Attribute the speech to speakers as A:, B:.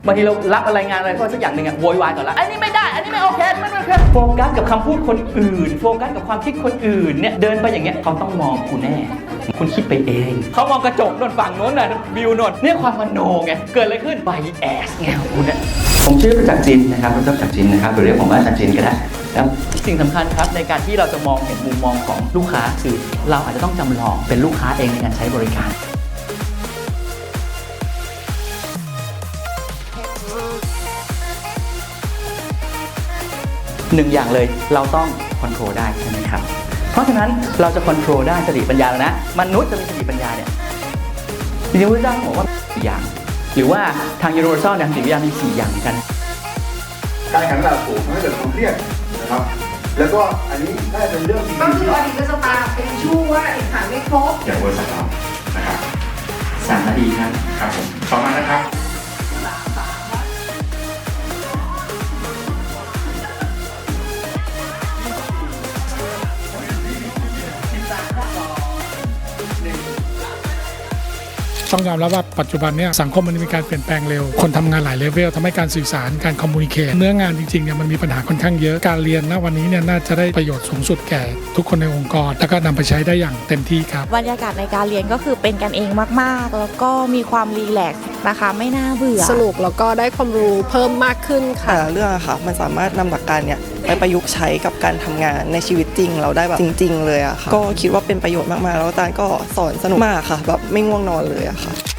A: บางทีเรารับอะไรงานอะไรก็สักอย่างหนึ่งอะโวยวายก่อนละอันนี้ไม่ได้อันนี้ไม่โอเคไม่โอเคโฟกัสกับคำพูดคนอื่นโฟกัสกับความคิดคนอื่นเนี่ยเดินไปอย่างเงี้ยเขาต้องมองคุณแน่คุณคิดไปเองเขามองกระจกโน่นฝั่งโน้นน่ะวิวโน่นเนี่ยความมโนไงเกิดอะไรขึ้นไบแอสไงคุณเนี่ยผมชื่อประจักษ์จินนะครับประจักษ์จินนะครับหรือเรียกผมว่าอาจารย์จินก็ได้แล้วสิ่งสำคัญครับในการที่เราจะมองเห็นมุมมองของลูกค้าคือเราอาจจะต้องจำลองเป็นลูกค้าเองในการใช้บริการหนึ่งอย่างเลยเราต้องคอนโทรลได้ใช่ไหมครับเพราะฉะนั้นเราจะคอนโทรลได้สติปัญญาแล้วนะมนุษย์จะมีสติปัญญาเนี่ยจริงๆพระเจ้าบอกว่า4อย่างหรือว่าทาง Universal ทางสติปัญญามี4อย่างกัน
B: การแข่งขันสูงทำให้เกิดความเครียดนะครับแล้วก็อันนี้น่าจะเป็นเรื่องที่
C: ก็คืออดีตก็จะมาเป็นชู้ว่าเอกสารไม่ครบ
B: อย่างบริษัทเรานะครับ
A: 3 นาทีครับ
B: ครับผมต่อมานะครับ
D: ต้องยอมรับว่าปัจจุบันเนี่ยสังคมมันมีการเปลี่ยนแปลงเร็วคนทำงานหลายเลเวลทำให้การสื่อสารการคอมมูนิเคชเนื้องานจริงๆเนี่ยมันมีปัญหาค่อนข้างเยอะการเรียนณวันนี้เนี่ยน่าจะได้ประโยชน์สูงสุดแก่ทุกคนในองค์กรแล้วก็นำไปใช้ได้อย่างเต็มที่ครับ
E: บรรยากาศในการเรียนก็คือเป็นกันเองมากๆแล้วก็มีความรีแลกซ์นะคะไม่น่าเบื่อ
F: สนุกแล้วก็ได้ความรู้เพิ่มมากขึ้นค่ะ
G: เรื่องค่ะมันสามารถนำหลักการเนี่ยไปประยุกต์ใช้กับการทำงานในชีวิตจริงเราได้แบบจริงๆเลยอะค่ะก็คิดว่าเป็นประโยชน์มากๆแล้วอาจารย์ก็สอนสนุกมากค่ะแบบไม่ง่วงนอนเลยอะค่ะ